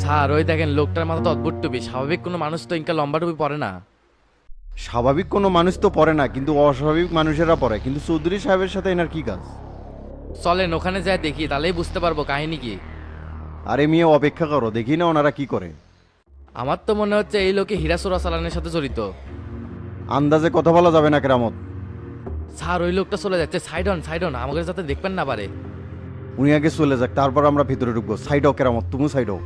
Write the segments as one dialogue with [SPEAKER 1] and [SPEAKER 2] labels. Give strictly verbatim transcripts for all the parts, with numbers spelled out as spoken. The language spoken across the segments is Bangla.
[SPEAKER 1] স্যার ওই দেখেন লোকটার মাথা তো অদ্ভুত টুপি, স্বাভাবিক কোনো মানুষ তো ইনকা লম্বা টুপি পরে না।
[SPEAKER 2] স্বাভাবিক কোনো মানুষ তো পড়ে না, কিন্তু অস্বাভাবিক মানুষেরা পড়ে। কিন্তু চৌধুরী সাহেবের সাথে এনার কি কাজ?
[SPEAKER 1] চলেন ওখানে যাই দেখি, তাহলেই বুঝতে পারবো কাহিনী কি।
[SPEAKER 2] আরে মেয়ে, অপেক্ষা করো, দেখি না ওনারা কি করে।
[SPEAKER 1] আমার তো মনে হচ্ছে এই লোকে হীরা চোরাচালানের সাথে জড়িত।
[SPEAKER 2] আন্দাজে কথা বলা যাবে না কেরামত।
[SPEAKER 1] স্যার ওই লোকটা চলে যাচ্ছে, সাইড অন সাইড অন, আমাকে যাতে দেখবেন না পারে।
[SPEAKER 2] উনি আগে চলে যাক, তারপর আমরা ভিতরে ঢুকবো। সাইড হোক কেরামত, তুমি সাইড হোক।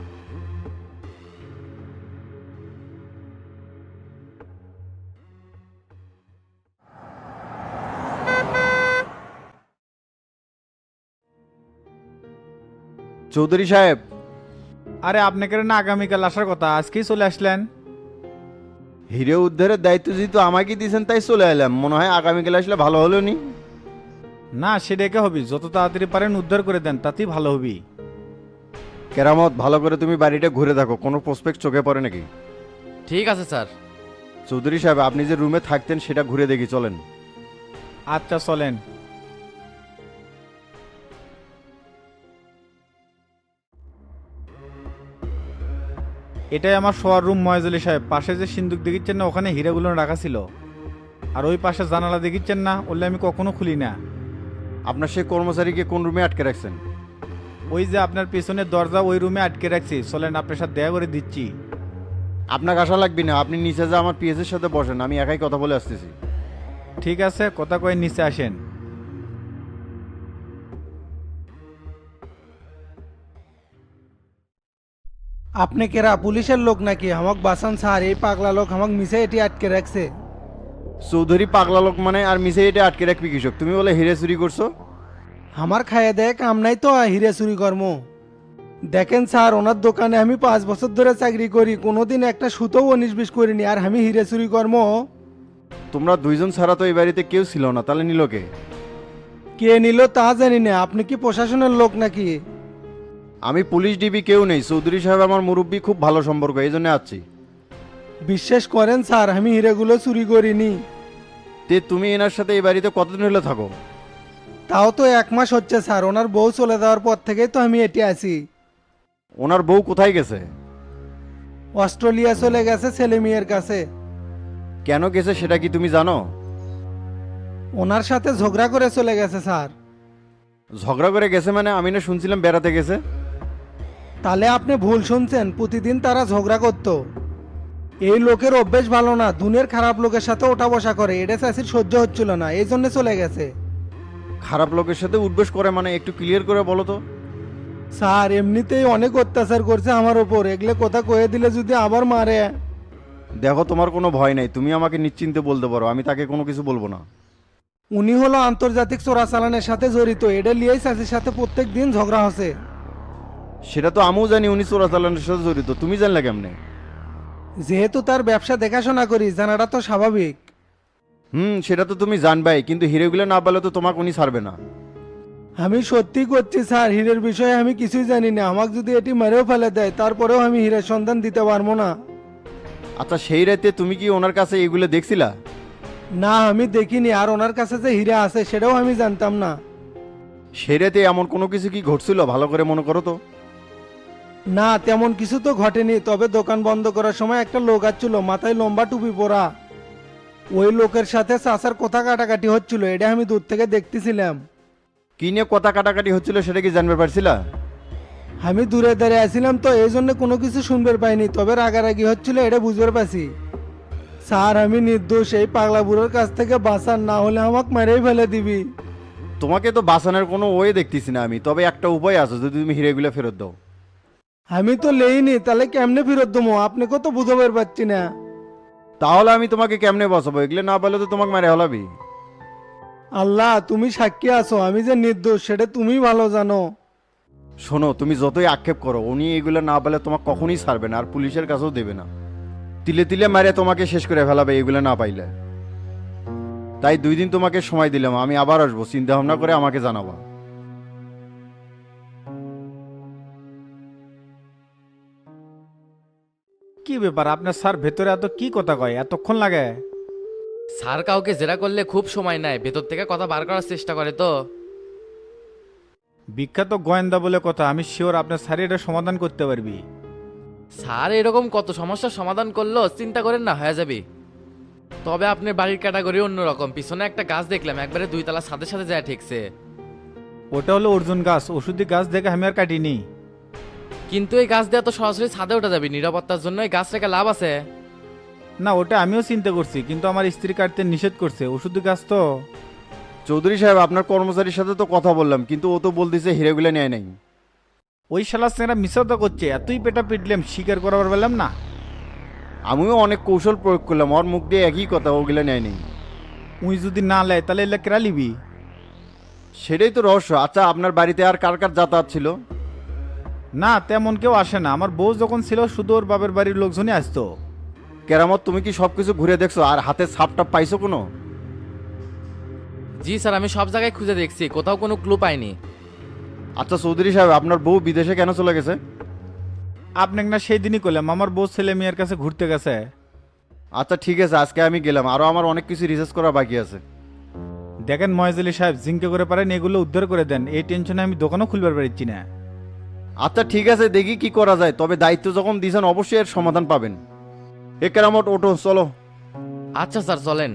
[SPEAKER 2] চৌধুরী সাহেব,
[SPEAKER 3] আরে আপনাকে না আগামীকাল আসার কথা, আজকেই চলে আসলেন?
[SPEAKER 2] হিরে উদ্ধারের দায়িত্ব যেহেতু আমাকে দিয়েছেন তাই চলে এলাম। মনে হয় আগামীকাল আসলে ভালো হলো নি।
[SPEAKER 3] না সেটাকে হবি, যত তাড়াতাড়ি পারেন উদ্ধার করে দেন, তাতেই ভালো হবি।
[SPEAKER 2] কেরামত, ভালো করে তুমি বাড়িটা ঘুরে দেখো, কোনো প্রসপেক্ট চোখে পড়ে নাকি।
[SPEAKER 1] ঠিক আছে স্যার।
[SPEAKER 2] চৌধুরী সাহেব, আপনি যে রুমে থাকতেন সেটা ঘুরে দেখি, চলেন।
[SPEAKER 3] আচ্ছা চলেন। এটাই আমার শোয়ার রুম মহেজলি সাহেব। পাশে যে সিন্দুক দেখিচ্ছেন না, ওখানে হীরাগুলো রাখা ছিল। আর ওই পাশে জানালা দেখিচ্ছেন না, ওগুলো আমি কখনো খুলি না।
[SPEAKER 2] আপনার সেই কর্মচারীকে কোন রুমে আটকে রাখছেন?
[SPEAKER 3] ওই যে আপনার পেছনের দরজা, ওই রুমে আটকে রাখছি। চলেন আপনার সাথে দেখা করে দিচ্ছি।
[SPEAKER 2] আপনাকে আশা লাগবে না, আপনি নিচে যা আমার পিএসের সাথে বসেন, আমি একাই কথা বলে আসতেছি।
[SPEAKER 3] ঠিক আছে, কথা কয়ে নিচে আসেন।
[SPEAKER 4] আপনি কেরা পুলিশের লোক নাকি? আমাক বাসান স্যার, এই পাগলা লোক আমাক মিশে এটি আটকে রাখছে।
[SPEAKER 2] চৌধুরী পাগলা লোক মানে? আর মিসে এটা আটকে রাখবি কৃষক? তুমি বলে হিরে চুরি করছো?
[SPEAKER 4] আমার খাইয়ে দেয় কাম নাই তো হিরে চুরি কর্ম। দেখেন স্যার, ওনার দোকানে আমি পাঁচ বছর ধরে চাকরি করি, কোনোদিন একটা সুতোও উনিশ বিশ করিনি, আর আমি হিরে চুরি কর্ম?
[SPEAKER 2] তোমরা দুইজন ছাড়া তো এই বাড়িতে কেউ ছিল না, তাহলে নিল কে?
[SPEAKER 4] কে নিল তা জানি না। আপনি কি প্রশাসনের লোক নাকি?
[SPEAKER 2] আমি পুলিশ ডিবি কেউ নেই। চৌধুরী সাহেব আমার মুরব্বী, খুব ভালো সম্পর্ক, এই জন্য আসছি।
[SPEAKER 4] বিশ্বাস করেন স্যার, আমি হিরেগুলো চুরি করিনি।
[SPEAKER 2] তে তুমি এনার সাথে এই বাড়িতে কতদিন হলে থাকো?
[SPEAKER 4] তাও তো এক মাস হচ্ছে স্যার, ওনার বউ চলে যাওয়ার পর থেকেই তো আমি এটি আছি।
[SPEAKER 2] ওনার বউ কোথায় গেছে?
[SPEAKER 4] অস্ট্রেলিয়া চলে গেছে ছেলে মেয়ের কাছে।
[SPEAKER 2] কেন গেছে সেটা কি তুমি জানো?
[SPEAKER 4] ওনার সাথে ঝগড়া করে চলে গেছে স্যার।
[SPEAKER 2] ঝগড়া করে গেছে মানে? আমি না শুনছিলাম বেড়াতে গেছে।
[SPEAKER 4] তাহলে আপনি ভুল শুনছেন, প্রতিদিন তারা ঝগড়া করতো। এই লোকের অভ্যেস ভালো না, দুনের খারাপ লোকের সাথে ওঠা বসা করে, এটা চাষির সহ্য হচ্ছিল না, এই জন্য চলে গেছে।
[SPEAKER 2] খারাপ লোকের সাথে উঠবেশ করে মানে? একটু ক্লিয়ার করে বলো তো।
[SPEAKER 4] স্যার এমনিতেই অনেক অত্যাচার করছে আমার ওপর, এগুলো কথা কয়ে দিলে যদি আবার মারে।
[SPEAKER 2] দেখো, তোমার কোনো ভয় নাই, তুমি আমাকে নিশ্চিন্তে বলতে পারো, আমি তাকে কোনো কিছু বলবো না।
[SPEAKER 4] উনি হলো আন্তর্জাতিক চোরাচালানের সাথে জড়িত, এটা লিয়েই চাষির সাথে প্রত্যেক দিন ঝগড়া হচ্ছে।
[SPEAKER 2] সেটা তো আমিও জানি উনি চোরাচালানের সাথে জড়িত, তুমি জানলে কেমনে?
[SPEAKER 4] যেহেতু তার ব্যবসা দেখাশোনা করি, জানাটা তো স্বাভাবিক।
[SPEAKER 2] হুম, সেটা তো তুমি জানবাই, কিন্তু হিরেগুলো না পেলে তো তোমাকে উনি ছাড়বে না।
[SPEAKER 4] আমি সত্যি করছি স্যার, হীরের বিষয়ে আমি কিছুই জানি না। আমাকে যদি এটি মেরেও ফেলে দেয়, তারপরেও আমি হীরের সন্ধান দিতে পারবো না।
[SPEAKER 2] আচ্ছা, সেই রাতে তুমি কি ওনার কাছে এগুলো দেখছিলা?
[SPEAKER 4] না আমি দেখিনি, আর ওনার কাছে যে হীরা আছে সেটাও আমি জানতাম না।
[SPEAKER 2] সেই রাতে এমন কোনো কিছু কি ঘটছিল, ভালো করে মনে করো তো।
[SPEAKER 4] না তেমন কিছু তো ঘটেনি, তবে দোকান বন্ধ করার সময় একটা লোক আসছিল, মাথায় লম্বা টুপি পরা। ওই লোকের সাথে চাচার কথা কাটাকাটি হচ্ছিল, এটা আমি দূর থেকে দেখতেছিলাম।
[SPEAKER 2] কি নিয়ে কথা কাটাকাটি হচ্ছিল সেটা কি জানতে পারছিলা?
[SPEAKER 4] আমি দূরে দাঁড়িয়ে আছিলাম তো এই জন্য কোনো কিছু শুনতে পাইনি, তবে রাগারাগি হচ্ছিল এটা বুঝতে পারছি। স্যার আমি নির্দোষ, এই পাগলা বুড়োর কাছ থেকে বাঁচান, না হলে আমাকে মেরেই ফেলে দিবি।
[SPEAKER 2] তোমাকে তো বাঁচানোর কোনো ওয়ে দেখতেছি না আমি, তবে একটা উপায় আছে, যদি তুমি হিরেগুলো ফেরত দাও।
[SPEAKER 4] আমি তো লেইনি, তাহলে কেমনে ফেরত দেবো? আপনাকে তো বুঝাবার পারছি না।
[SPEAKER 2] তাহলে আমি তোমাকে কেমনে বাঁচাবো? এগুলো না পেলে তো তোমাকে মেরে হলাবি।
[SPEAKER 4] আল্লাহ তুমি সাক্ষী আছো, আমি যে নির্দোষ সেটা তুমি ভালো জানো।
[SPEAKER 2] শোনো, তুমি যতই আক্ষেপ করো, উনি এগুলো না পেলে তোমাকে কখনই ছাড়বে না, আর পুলিশের কাছেও দেবে না। তিলে তিলে মারে তোমাকে শেষ করে ফেলাবে এগুলো না পাইলে। তাই দুই দিন তোমাকে সময় দিলাম, আমি আবার আসবো, চিন্তা ভাবনা করে আমাকে জানাবা।
[SPEAKER 3] কি ব্যাপার আপনার স্যার, ভেতরে এত কি কথা কয়, এতক্ষণ লাগে?
[SPEAKER 1] স্যার কাউকে জেরা করলে খুব সময় নেয়, ভেতর থেকে কথা বার করার চেষ্টা করে তো।
[SPEAKER 3] বিখ্যাত গোয়েন্দা বলে কথা, আমি শিওর আপনার স্যার এটা সমাধান করতে পারবি।
[SPEAKER 1] স্যার এরকম কত সমস্যার সমাধান করলো, চিন্তা করেন না, হয়ে যাবে। তবে আপনার বাড়ির ক্যাটাগরি অন্যরকম, পিছনে একটা গাছ দেখলাম একবারে দুই তলা সাথে সাথে যায় ঠিকছে।
[SPEAKER 3] ওটা হলো অর্জুন গাছ, ওষুধি গাছ দেখে আমি আর কাটিনি।
[SPEAKER 1] কিন্তু এই গাছ দিয়ে তো সরাসরি ছাদে ওঠা যাবে, নিরাপত্তার জন্য এই গাছ রেখে লাভ আছে?
[SPEAKER 3] না, ওটা আমিও চিন্তা করছি, কিন্তু আমার স্ত্রী কাটতে নিষেধ করছে, ওষুধি গাছ তো।
[SPEAKER 2] চৌধুরী সাহেব, আপনার কর্মচারীর সাথে তো কথা বললাম, কিন্তু ও তো বলতেছে হিরেগুলো নেয় নাই।
[SPEAKER 3] ওই শালা সেরা মিশাতে করছে, এতই পেটা পিটলাম স্বীকার করাবার পেলাম না।
[SPEAKER 2] আমিও অনেক কৌশল প্রয়োগ করলাম, ওর মুখ দিয়ে একই কথা, ওগুলো নেয় নাই।
[SPEAKER 3] উই যদি না লেয় তাহলে এলে কেরা লিবি?
[SPEAKER 2] সেটাই তো রহস্য। আচ্ছা, আপনার বাড়িতে আর কার কার যাতায়াত ছিল?
[SPEAKER 3] না, তেমন কেউ আসে না, আমার বউ যখন ছিল শুধু ওর বাপের বাড়ির লোকজনই আসতো।
[SPEAKER 2] কেরামত, তুমি কি সব কিছু ঘুরে দেখছো আর হাতে ছাপটাপ পাইছো কোনো?
[SPEAKER 1] জি স্যার, আমি সব জায়গায় খুঁজে দেখছি, কোথাও কোনো ক্লু পাইনি।
[SPEAKER 2] আচ্ছা চৌধুরী সাহেব, আপনার বউ বিদেশে কেন চলে গেছে?
[SPEAKER 3] আপনাকে না সেই দিনই করলাম, আমার বউ ছেলে মেয়ের কাছে ঘুরতে গেছে।
[SPEAKER 2] আচ্ছা ঠিক আছে, আজকে আমি গেলাম, আরও আমার অনেক কিছু রিসার্চ করা বাকি আছে।
[SPEAKER 3] দেখেন ময়জলি সাহেব, জিঙ্কে করে পারেন এগুলো উদ্ধার করে দেন, এই টেনশনে আমি দোকানও খুলবার পারছি না।
[SPEAKER 2] আচ্ছা ঠিক আছে, দেখি কি করা যায়, তবে দায়িত্ব যখন দিয়েছেন অবশ্যই এর সমাধান পাবেন। এ কেরামত, ওটো, চলো।
[SPEAKER 1] আচ্ছা স্যার, চলেন।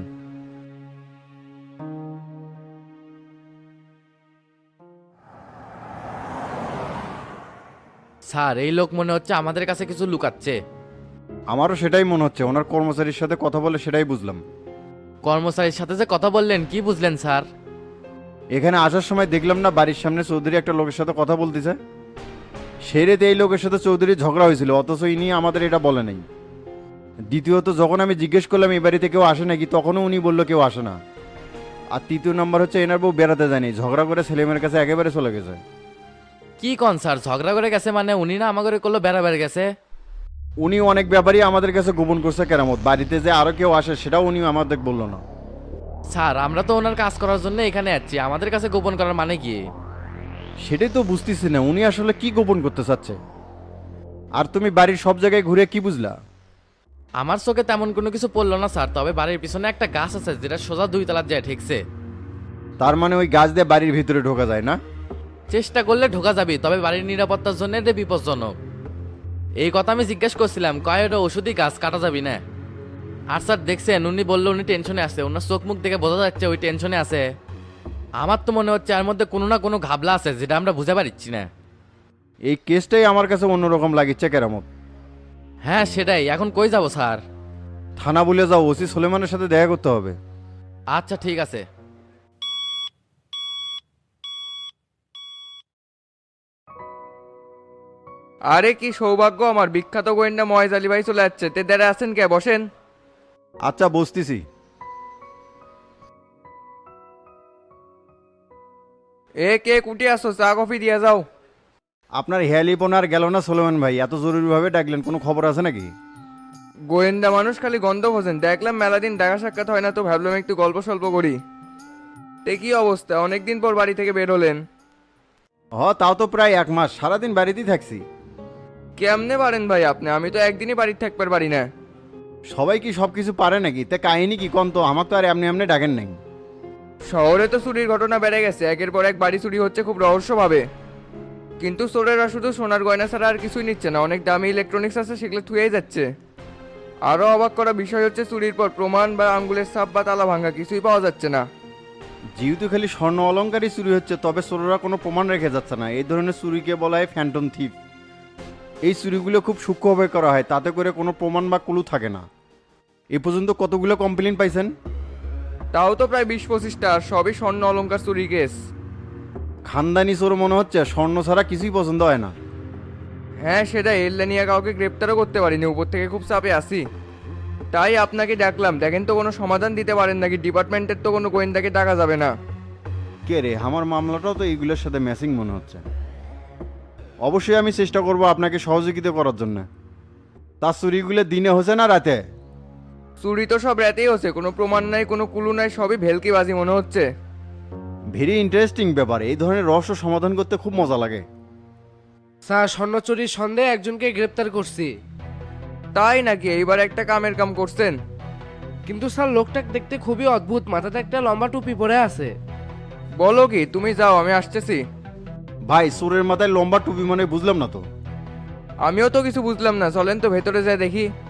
[SPEAKER 1] স্যার এই লোক মনে হচ্ছে আমাদের কাছে কিছু লুকাচ্ছে।
[SPEAKER 2] আমারও সেটাই মনে হচ্ছে, ওনার কর্মচারীর সাথে কথা বলে সেটাই বুঝলাম।
[SPEAKER 1] কর্মচারীর সাথে যে কথা বললেন, কি বুঝলেন স্যার?
[SPEAKER 2] এখানে আসার সময় দেখলাম না বাড়ির সামনে চৌধুরী একটা লোকের সাথে কথা বলতেছে। সেই রেতে এই লোকের সাথে চৌধুরীর ঝগড়া হয়েছিল, অথচ ইনি আমাদের এটা বলে নাই। দ্বিতীয়ত যখন আমি জিজ্ঞেস করলাম এই বাড়িতে কেউ আসে নাকি, তখনও উনি বললো কেউ আসে না। আর তৃতীয় নম্বর হচ্ছে এনার বউ বেড়াতে যায়নি, ঝগড়া করে ছেলেমেয়ের কাছে একেবারে চলে গেছে।
[SPEAKER 1] কি কন স্যার, ঝগড়া করে গেছে মানে? উনি না আমাকে করলো বেড়াবেড়ে গেছে।
[SPEAKER 2] উনি অনেক ব্যাপারই আমাদের কাছে গোপন করছে কেরামত, বাড়িতে যে আরো কেউ আসে সেটাও উনি আমাদের বললো না।
[SPEAKER 1] স্যার আমরা তো ওনার কাজ করার জন্য এখানে আছি, আমাদের কাছে গোপন করার মানে কি?
[SPEAKER 2] সেটাই তো বুঝতেছি না উনি আসলে কি গোপন করতে চাচ্ছে। আর তুমি বাড়ির সব জায়গায় ঘুরে কি বুঝলা?
[SPEAKER 1] আমার চোখে তেমন কোনো কিছু পড়লো না স্যার, তবে বাড়ির পিছনে একটা গাছ আছে যেটা সোজা দুই তলার যায় ঠিকছে।
[SPEAKER 2] তার মানে ওই গাছ দিয়ে বাড়ির ভিতরে ঢোকা যায় না?
[SPEAKER 1] চেষ্টা করলে ঢোকা যাবে, তবে বাড়ির নিরাপত্তার জন্য এটা বিপজ্জনক। এই কথা আমি জিজ্ঞেস করছিলাম, কয় ওটা ওষুধই গাছ, কাটা যাবি না। আর স্যার দেখছেন, উনি বললো উনি টেনশনে আছে, ওনার চোখ মুখ দেখে বোঝা যাচ্ছে ওই টেনশনে আছে। আমার তো মনে হচ্ছে এর মধ্যে কোনো না কোনো ঘাবলা আছে যেটা আমরা বুঝে পারছি না।
[SPEAKER 2] এই কেসটাই আমার কাছে অন্যরকম লাগিচ্ছে কেরামত।
[SPEAKER 1] হ্যাঁ সেটাই, এখন কই যাব স্যার?
[SPEAKER 2] থানা বলে যাও, ওসি সুলেমানের সাথে দেখা করতে হবে।
[SPEAKER 1] আচ্ছা ঠিক আছে।
[SPEAKER 5] আরে কি সৌভাগ্য আমার, বিখ্যাত গোয়েন্দা ময়েজ আলী ভাই চলে যাচ্ছে, তে দাঁড়া আছেন কে, বসেন।
[SPEAKER 2] আচ্ছা বসতেছি।
[SPEAKER 5] এ কে কুটি আসো, চা কফি দিয়ে যাও।
[SPEAKER 2] আপনার হেয়ালিপন আর গেল না সুলেমান ভাই, এত জরুরিভাবে ডাকলেন, কোনো খবর আছে নাকি?
[SPEAKER 5] গোয়েন্দা মানুষ খালি গন্ধ খোঁজেন, দেখলাম মেলা দিন দেখা সাক্ষাৎ হয় না, তো ভাবলাম একটু গল্প সল্প করি। তে কি অবস্থা, অনেকদিন পর বাড়ি থেকে বের হলেন?
[SPEAKER 2] হ, তাও তো প্রায় এক মাস, সারাদিন বাড়িতেই থাকছি।
[SPEAKER 5] কেমনে পারেন ভাই আপনি, আমি তো একদিনই বাড়িতে থাকতে পারি না।
[SPEAKER 2] সবাই কি সব কিছু পারে নাকি? তে কাহিনী কি কন তো, আমার তো আর এমনি এমনি ডাকেন নাই।
[SPEAKER 5] শহরে তো চুরির ঘটনা বেড়ে গেছে, একের পর এক বাড়ি চুরি হচ্ছে খুব রহস্যভাবে। কিন্তু চোরেরা শুধু সোনার গয়না ছাড়া আর কিছুই নিচ্ছে না, অনেক দামি ইলেকট্রনিক্স আছে সেগুলো থুয়েই যাচ্ছে। আরও অবাক করা বিষয় হচ্ছে চুরির পর প্রমাণ বা আঙ্গুলের ছাপ বা তালা ভাঙা কিছুই পাওয়া যাচ্ছে না।
[SPEAKER 2] যেহেতু খালি স্বর্ণ অলংকারই চুরি হচ্ছে, তবে চোররা কোনো প্রমাণ রেখে যাচ্ছে না। এই ধরনের চুরিকে বলা হয় ফ্যান্টম থিপ। এই চুরিগুলো খুব সূক্ষ্মভাবে করা হয়, তাতে করে কোনো প্রমাণ বা ক্লু থাকে না। এ পর্যন্ত কতগুলো কমপ্লেন পাইছেন?
[SPEAKER 5] তাও তো প্রায় বিশ পঁচিশটা, আর সবই স্বর্ণ অলংকার চুরি কেস।
[SPEAKER 2] খানদানি চোর মনে হচ্ছে, স্বর্ণ ছাড়া কিছুই পছন্দ হয় না।
[SPEAKER 5] হ্যাঁ সেটা, এল্লা নিয়ে কাউকে গ্রেপ্তারও করতে পারিনি, উপর থেকে খুব চাপে আসি। তাই আপনাকে ডাকলাম, দেখেন তো কোনো সমাধান দিতে পারেন নাকি, ডিপার্টমেন্টের তো কোনো গোয়েন্দাকে ডাকা যাবে না।
[SPEAKER 2] কে রে, আমার মামলাটাও তো এইগুলোর সাথে ম্যাচিং মনে হচ্ছে। অবশ্যই আমি চেষ্টা করব আপনাকে সহযোগিতা করার জন্য। তার চুরিগুলো দিনে হচ্ছে না রাতে?
[SPEAKER 5] চুরি তো সব রাতেই হচ্ছে, কোনো প্রমাণ নাই, কোনো কুলু নাই, সবই ভেলকিবাজি মনে হচ্ছে।
[SPEAKER 2] ভেরি ইন্টারেস্টিং ব্যাপার, এই ধরনের রহস্য সমাধান করতে খুব মজা লাগে।
[SPEAKER 6] স্যার স্বর্ণ চুরির সন্দেহে একজনকে গ্রেপ্তার করছি।
[SPEAKER 5] তাই নাকি, এইবার একটা কামের কাম করছেন।
[SPEAKER 6] কিন্তু স্যার লোকটা দেখতে খুবই অদ্ভুত, মাথাতে একটা লম্বা টুপি পরে আছে।
[SPEAKER 5] বলো কি, তুমি যাও আমি আসতেছি।
[SPEAKER 2] ভাই, চোরের মাথায় লম্বা টুপি মানে বুঝলাম না তো।
[SPEAKER 5] আমিও তো কিছু বুঝলাম না, চলেন তো ভেতরে যাই দেখি।